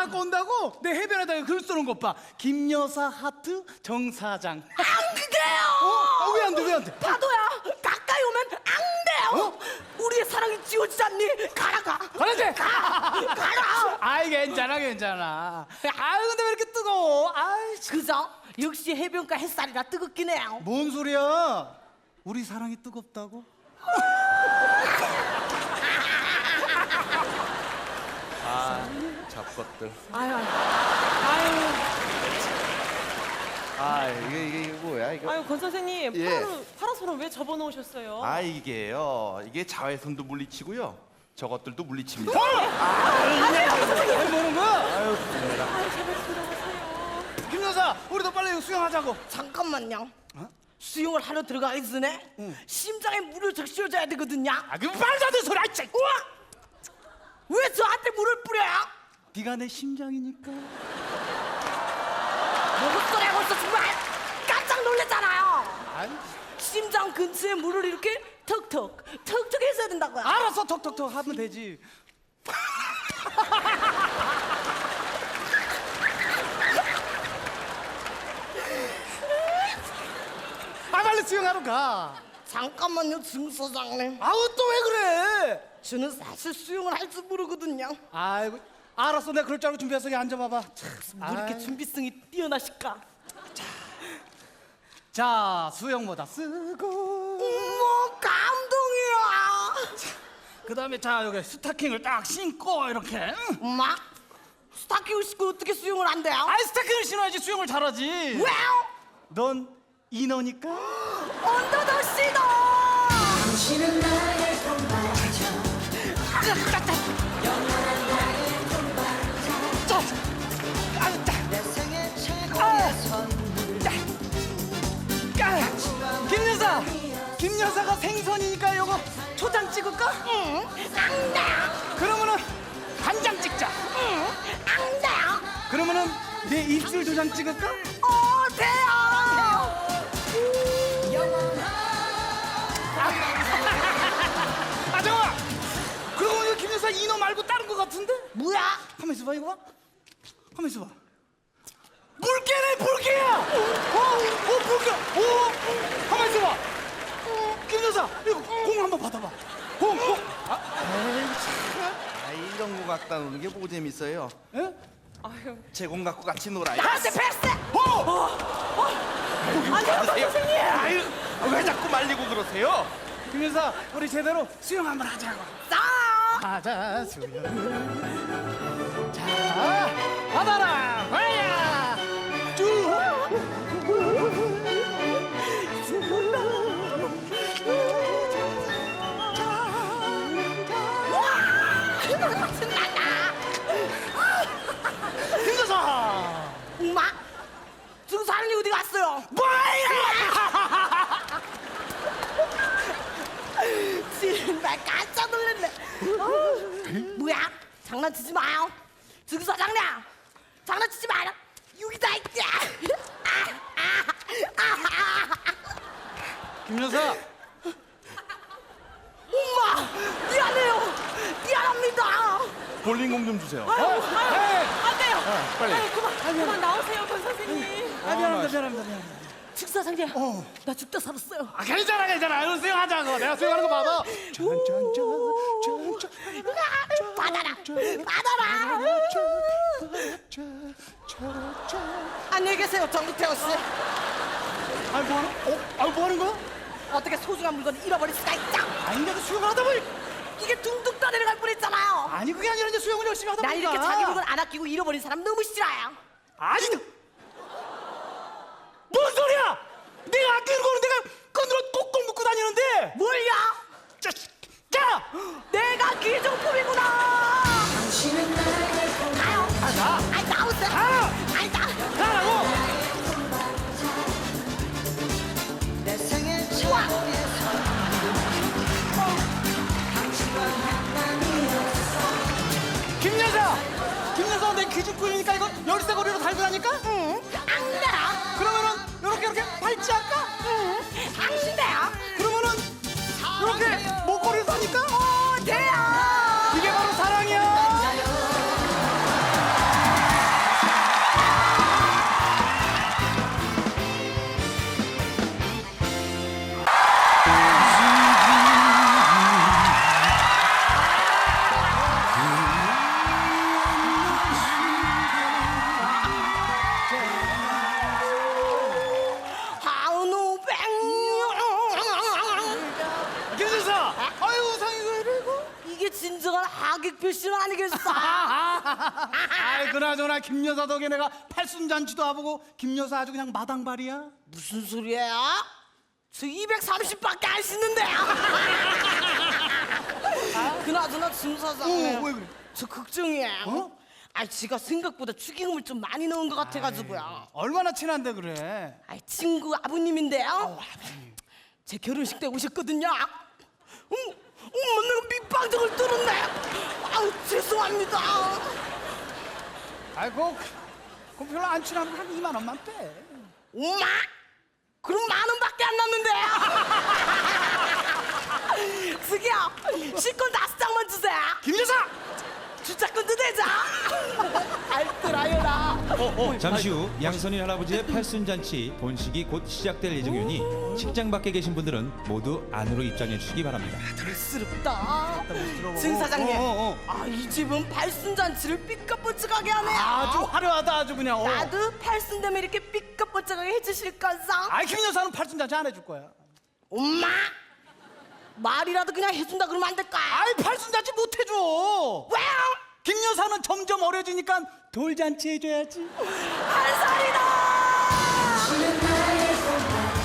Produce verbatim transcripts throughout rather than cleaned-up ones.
갖고 온다고 내 해변에다가 글 쓰는 것 봐. 김여사 하트 정 사장. 안 돼요. 어? 왜 안 돼? 왜 안 돼? 파도야, 가까이 오면 안 돼요. 어? 우리의 사랑이 지워지지 않니? 가라 가. 가라지. 가. 가라. 아이 괜찮아 괜찮아. 아유 근데 왜 이렇게 뜨거워? 아이 참. 그죠? 역시 해변가 햇살이라 뜨겁긴 해요. 뭔 소리야? 우리 사랑이 뜨겁다고? 아, 잡것들. 아유, 아유, 아, 이게 이게, 이게 뭐야 이거? 아유 권 선생님, 예. 파라, 파라솔은 왜 접어놓으셨어요? 아, 이게요. 이게 자외선도 물리치고요. 저것들도 물리칩니다. 아니 뭐는 거야? 아유, 정말. 아유 제발 들어가세요. 김 여사 우리도 빨리 이거 수영하자고. 잠깐만요. 수영을 하러 들어가기 전에 심장에 물을 적셔줘야 되거든요. 아 그럼 말도 안 되는 소리. 아이 참. 우와! 왜 저한테 물을 뿌려요? 네가 내 심장이니까. 무슨 소리 하고 있어 정말 깜짝 놀랐잖아요. 아니. 심장 근처에 물을 이렇게 턱턱 턱턱 해줘야 된다고요. 알았어 톡톡톡 하면 되지. 아 빨리 수영하러 가. 잠깐만요, 정 소장님. 아우 또 왜 그래? 저는 사실 수영을 할 줄 모르거든요. 아이고 알았어 내가 그럴 줄 알고 준비해서 여기 앉아봐봐. 뭐 이렇게 아이. 준비성이 뛰어나실까? 자 수영모자 쓰고 어머, 감동이야. 그 다음에 자 여기 스타킹을 딱 신고 이렇게 응? 엄마, 스타킹을 신고 어떻게 수영을 한대요? 아이 스타킹을 신어야지 수영을 잘하지. 왜요? 넌 인어니까. 언더더시도. 당신은 나의 동반자 영원한 나의 동반자 내 생애 최고의 선물 김 여사, 김 여사가 생선이니까 요거 초장 찍을까? 응, 안 돼요. 그러면은 간장 찍자. 응, 안 돼요. 그러면은 내 입술 도장 찍을까? 어, 돼요. 아 잠깐만. 그러고 보니까 김 여사 인어 말고 다른 거 같은데? 뭐야? 가만 있어봐 이거 봐. 가만 있어봐. 물개네 물개야. 어, 어 물개. 어, 가만 있어봐. 어, 김 여사 이거 공 한번 받아봐. 공, 공. 아, 에이 참. 아, 이런 거 갖다 노는 게 뭐 재밌어요? 에? 아유 제공 갖고 같이 놀아요. 나한테 패스. 아니요, 선생님. 아유, 왜 자꾸 말리고 그러세요? 김 여사 우리 제대로 수영 한번 하자고. 싸. 하자 수영. 자 받아라 가야 쭉. 김 여사 엄마, 증사님이 어디 갔어요? 뭐야? 정말 깜짝 놀랐네. 어? 뭐야? 장난치지 마요. 증사장님, 장난치지 마요. 여기다 있자. 김 여사 엄마, 미안해요. 미안합니다. 볼링공 좀 주세요. 어? 에이. 안 돼요. 빨리. 아유 그만 그만 나오세요 권 선생님. 아 미안합니다 미안합니다 미안합니다. 증사장님, 나 죽다 살았어요. 아 괜찮아 괜찮아 이거 수영하자고. 내가 수영하는 거 봐봐. 받아라, 받아라. 안녕히 계세요, 정기태호 씨. 아니 뭐하는? 어? 아니 뭐하는 거야? 어떻게 소중한 물건을 잃어버릴 수가 있죠? 아니 내가 수영을 하다 보니 이게 둥둥 떠내려갈 뻔했잖아요. 아니 그게 아니라 이제 수영을 열심히 하다 나 보니까 이렇게 자기 물건 안 아끼고 잃어버린 사람 너무 싫어요. 아니 뭔 소리야? 내가 아끼는 거는 내가 끈으로 꼭꼭 묶고 다니는데 뭘요? 자, 자! 내가 기종품이구나. 당신은 나의 동반자 가요. 아, 나! 아이 나오세요. 가! 아이 나. 가라고! 내 생애 최고의 선물 당신과 만남이었어 김 여사! 김 여사 내 기준꾼이니까 이거 열쇠고리로 달고 다니까? 응. 안 돼요. 그러면은 요렇게 이렇게 팔찌 할까? 응. 안 돼요. 그러면은 요렇게 목걸이로 다니까? 어 돼요. 이게 바로 사랑이야! 그나저나 김 여사 덕에 내가 팔순잔치도 와보고 김 여사 아주 그냥 마당발이야. 무슨 소리야? 저 이백삼십밖에 안 씻는데. 그나저나 준 사장님. 어, 왜 그래? 저 걱정이에요. 어? 아, 지가 생각보다 축의금을 좀 많이 넣은 것 같아가지고요. 얼마나 친한데 그래? 아, 친구 아버님인데요. 제 결혼식 때 오셨거든요. 음, 엄마 내가 밑방정을 뚫었네. 아우 죄송합니다. 아이고, 그럼 별로 안 친하면 한 이만 원만 빼. 엄마? 그럼 만 원밖에 안 남는데요. 저기요, 실컷 다섯 장만 주세요. 김 여사! 주차권도 되자. 알뜰하여라. 잠시 후 양선인 할아버지의 팔순잔치 본식이 곧 시작될 예정이니 식장 밖에 계신 분들은 모두 안으로 입장해 주시기 바랍니다. 들스럽다. 들어보고. 증 사장님, 어, 어, 어. 아, 이 집은 팔순잔치를 삐까뻔쩍하게 하네요. 아주 화려하다 아주 그냥. 어. 나도 팔순 되면 이렇게 삐까뻔쩍하게 해주실 거상. 아이 김 여사는 팔순잔치 안 해줄 거야. 엄마, 말이라도 그냥 해준다 그러면 안 될까? 아이 팔순잔치 못 해줘. 왜요? 김 여사는 점점 어려지니까 돌잔치 해줘야지. 한 살이다. 당신은 나의 꽃밭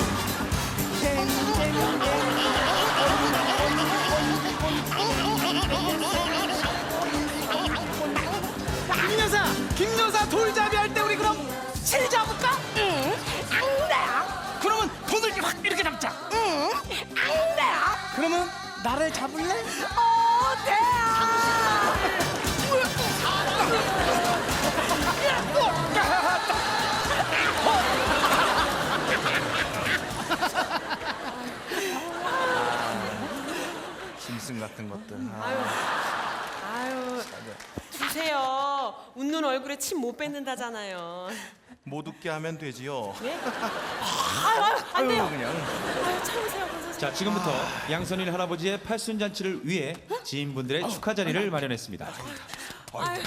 김 여사, 김 여사 돌잡이 할 때 우리 그럼 실 잡을까? 응, 안 돼요. 그러면 돈을 이렇게 확 이렇게 잡자. 응, 안 돼요. 그러면 나를 잡을래? 어, 돼요. 짐승 같은 것들. 아, 아유, 아유, 주세요. 웃는 얼굴에 침 못 뱉는다잖아요. 못 웃게 하면 되지요. 네? 아유, 아유, 안 돼요. 그냥. 아유, 참으세요, 권 선생님. 자, 지금부터 양선인 할아버지의 팔순잔치를 위해 지인분들의 축하 자리를 마련했습니다. 아유,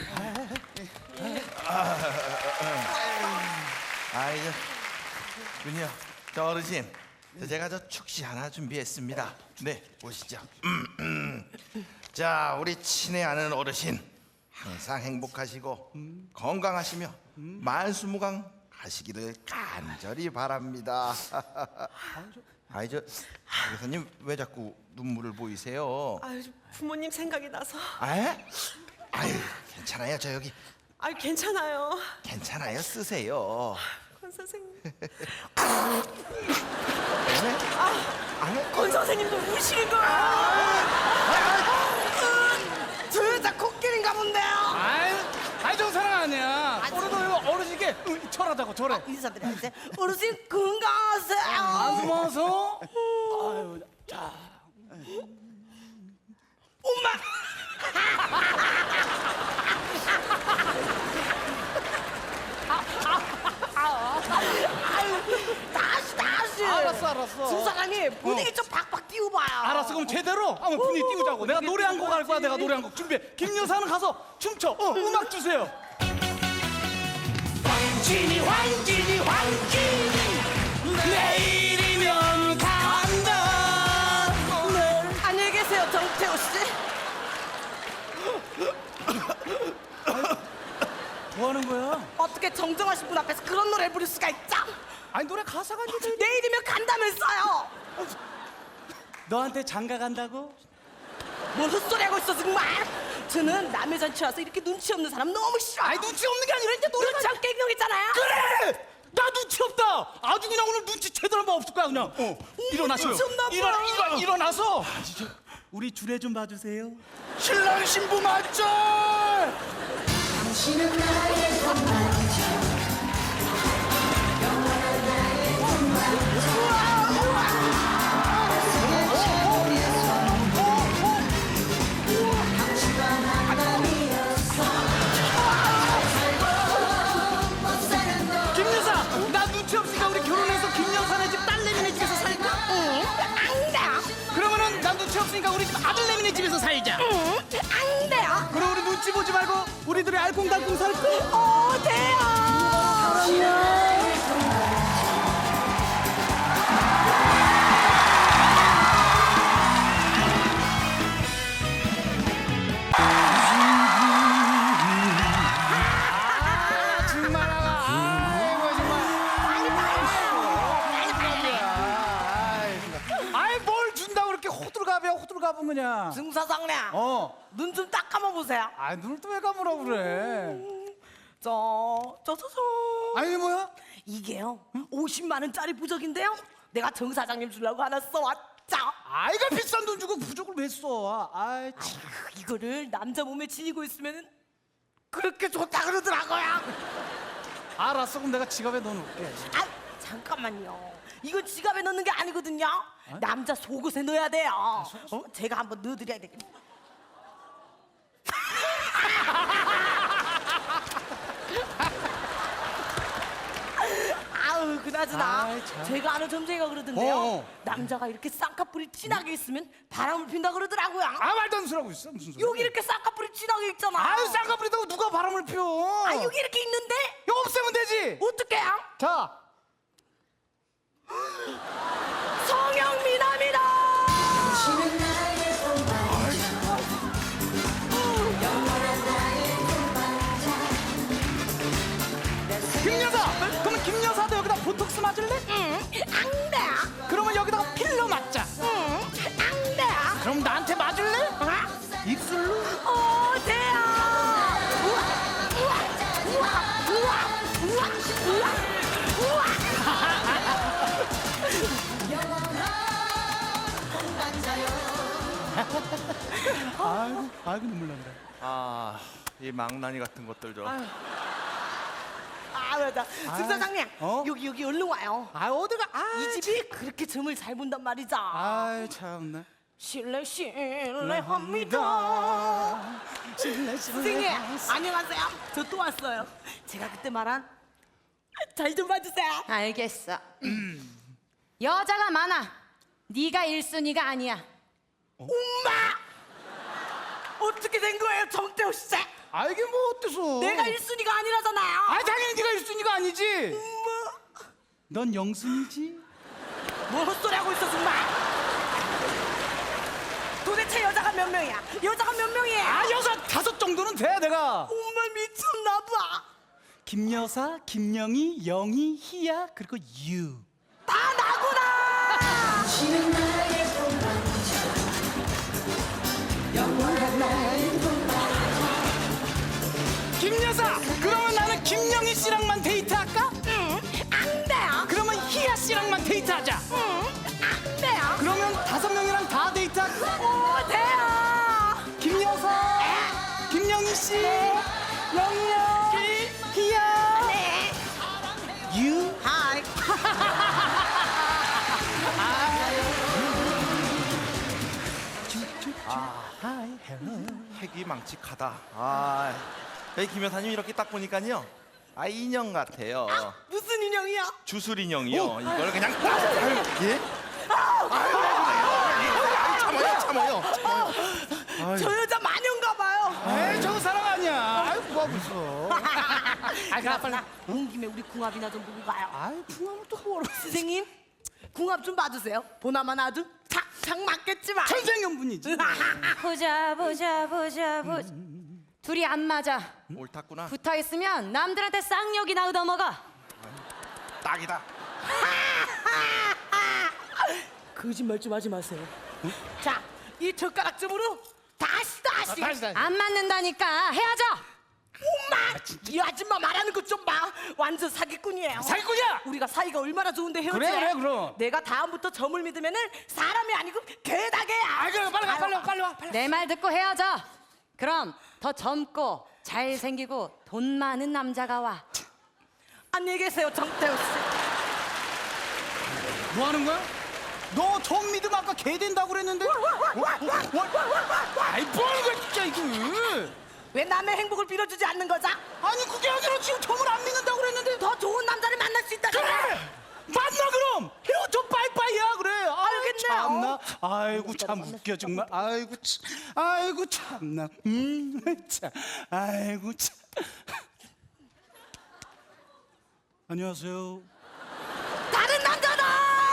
아이, 저, 군요, 저 어르신, 저 제가 저 축시 하나 준비했습니다. 네, 보시죠. 자, 우리 친애 아는 어르신, 항상 행복하시고 건강하시며 만수무강 하시기를 간절히 바랍니다. 아이, 저 교사님 왜 자꾸 눈물을 보이세요? 아유, 부모님 생각이 나서. 아, 아유, 괜찮아요. 저 여기 아유, 괜찮아요. 괜찮아요. 쓰세요. 권 선생님. 네? 권 선생님도 우시는 거야. 저 여자 코끼리인가 본데요. 아이, 아이 저 사람 아니야. 오늘도 이거 어르신께 응, 철하다고 저래. 인사드려야지. 어르신 건강하세요. 안 숨어서. 아유, 자. 엄마. 아유, 다시 다시. 알았어, 알았어. 주 사장님 분위기 좀 박박 띄워봐요. 알았어, 그럼 제대로 한번 분위기 띄우자고. 내가 노래 한 곡 할 거야. 내가 노래 한 곡 준비해. 김 여사는 가서 춤춰. 어, 음악 주세요. 황진이, 황진이, 황진이. 내일이면 간다. 안녕히 계세요, 정태호 씨. 뭐 하는 거야? 어떻게 정정하신 분 앞에서 그런 노래를 부를 수가 있죠? 아니, 노래 가사가 이제 내일이면 간다면서요. 너한테 장가 간다고? 뭘 헛소리하고 있어 정말. 저는 남의 잔치 와서 이렇게 눈치 없는 사람 너무 싫어요. 아니, 눈치 없는 게 아니라 이제 노래가. 눈치 없게 행동했잖아요. 그래! 나 눈치 없다. 아주 그냥 오늘 눈치 제대로 한번 없을 거야 그냥. 어. 일어나세요. 눈치 없나 봐. 일어나, 일어, 일어나서. 우리 주례 좀 봐주세요. 신랑 신부 맞죠? 당신은 나의 꽃밭 김 여사, 나 눈치 없으니까 우리 결혼해서 김 여사네 집 딸내미네 집에서 살까? 응, 안 돼요. 그러면은 난 눈치 없으니까 우리 집 아들내미네 집에서 살자. 응, 안 돼요. 그럼 우리 눈치 보지 말고 우리들이 알콩달콩 살 거야. 어, 돼요. 사장님. 어. 눈 좀 딱 감아보세요. 아, 눈을 또 왜 감으라고 그래? 저, 저, 저, 저. 아니, 뭐야? 이게요. 오십만 원짜리 부적인데요. 내가 정 사장님 주려고 하나 써왔죠. 아이가 비싼 돈 주고 부적을 왜 써? 아이, 참. 아이고, 이거를 남자 몸에 지니고 있으면 그렇게 좋다 그러더라고요. 알았어, 그럼 내가 지갑에 넣어놓을게. 아, 잠깐만요. 이거 지갑에 넣는 게 아니거든요. 남자 속옷에 넣어야 돼요. 어? 제가 한번 넣어드려야 되겠네. 아우, 그나저나 아이, 참. 제가 아는 점쟁이가 그러던데요. 어, 어. 남자가 이렇게 쌍꺼풀이 진하게 있으면 바람을 핀다 그러더라고요. 아, 말도 안 소리하고 있어. 무슨 소리? 여기 이렇게 쌍꺼풀이 진하게 있잖아. 아유, 쌍꺼풀이다고 누가 바람을 펴? 아, 여기 이렇게 있는데 이거 없애면 되지. 어떡해요? 자, 성형미남이다. 당신은 나의 동반자 영원한 나의 동반자 김 여사. 그러면 김 여사도 여기다 보톡스 맞을래? 응, 안 돼. 그러면 여기다가 필러 맞자. 응, 안 돼. 그럼 나한테 맞을래? 입술로? 어, 돼요. 우와, 우와, 우와, 우와, 우와, 우와. 아이고, 아이고 눈물 난다. 아, 이 망나니 같은 것들 좀. 아, 맞아. 승 사장님, 어? 여기 여기 얼른 와요. 아, 어디가? 아, 이 집이 그렇게 점을 잘 본단 말이죠. 아이 참나. 실례 실례합니다. 실례 선생님, 안녕하세요. 저 또 왔어요. 제가 그때 말한 잘 좀 봐주세요. 알겠어. 여자가 많아. 네가 일순위가 아니야. 엄마! 어떻게 된 거예요, 정태호 씨? 아, 이게 뭐 어때서? 내가 일순위가 아니라잖아요. 아, 당연히 네가 일순위가 아니지. 엄마, 넌 영순이지. 뭐 헛소리 하고 있어 정말? 도대체 여자가 몇 명이야? 여자가 몇 명이에요? 아, 여사 다섯 정도는 돼 내가. 엄마 미쳤나 봐. 김 여사, 김영희, 영희, 희야 그리고 유. 다 나구나. 당신은 나의 동반자 영원한 나의 김 여사, 그러면 나는 김영희 씨랑만 데이트할까? 응, 안 돼요. 그러면 희야 씨랑만 데이트하자. 응, 안 돼요. 그러면 다섯 명이랑 다 데이트할까? 오, 돼요. 김 여사, 김영희 씨, 영희 양, 희야, 네. 유. 하이. 하이, 헬로. 핵이 망측하다. 아, 이 김 여사님 이렇게 딱 보니까요. 아, 인형 같아요. 무슨 인형이야? 주술 인형이요. 이걸 그냥 딱. 아유, 예? 아유, 아유, 참아요, 참아요, 참아요. 저 여자 마녀인가 봐요. 에이, 저 사람 아니야. 아이, 뭐가 무서워. 아, 그나저나 온 김에 우리 궁합이나 좀 보고 가요. 아이, 궁합을 또 뭐라. 선생님, 궁합 좀 봐주세요. 보나만 아주 착착 맞겠지만. 천생연분이지. 보자 보자 보자 보자. 둘이 안 맞아. 옳았구나. 붙어 있으면 남들한테 쌍욕이나 얻어먹어. 딱이다. 거짓말 좀 하지 마세요. 자, 이 젓가락점으로 다시 다시. 다시, 다시. 안 맞는다니까 헤어져. 엄마, 이 아줌마 말하는 것 좀 봐. 완전 사기꾼이에요. 사기꾼이야! 우리가 사이가 얼마나 좋은데 헤어지? 그래, 그래, 그럼. 내가 다음부터 점을 믿으면은 사람이 아니고 개다개야. 아, 그래, 빨리 가, 빨리 와, 빨리 와, 빨리 와. 내 말 듣고 헤어져. 그럼 더 젊고 잘생기고 돈 많은 남자가 와. 안녕히 계세요, 정태호 씨. 뭐 하는 거야? 너 처음 믿으면 아까 개 된다고 그랬는데? 아이, 뭐 하는 거야, 진짜, 이거. 왜 남의 행복을 빌어주지 않는 거죠? 아니, 그게 아니라 지금 점을 안 믿는다고 그랬는데. 더 좋은 남자를 만날 수 있다. 그래! 만나, 그럼! 헤어져, 빠이빠이야, 그래. 아유, 알겠네요. 참나. 아이고, 참 웃겨, 정말. 아이고, 참. 아이고, 참나. 음, 참. 아이고, 참. 안녕하세요. 다른 남자다.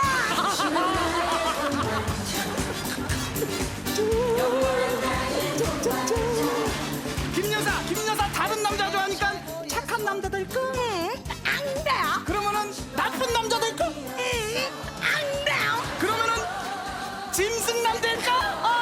김 여사, 김 여사 다른 남자 좋아하니까 착한 남자 될까? 응, 안 돼요. 그러면은 나쁜 남자 될까? 응, 안 돼요. 그러면은 짐승남 될까? 어,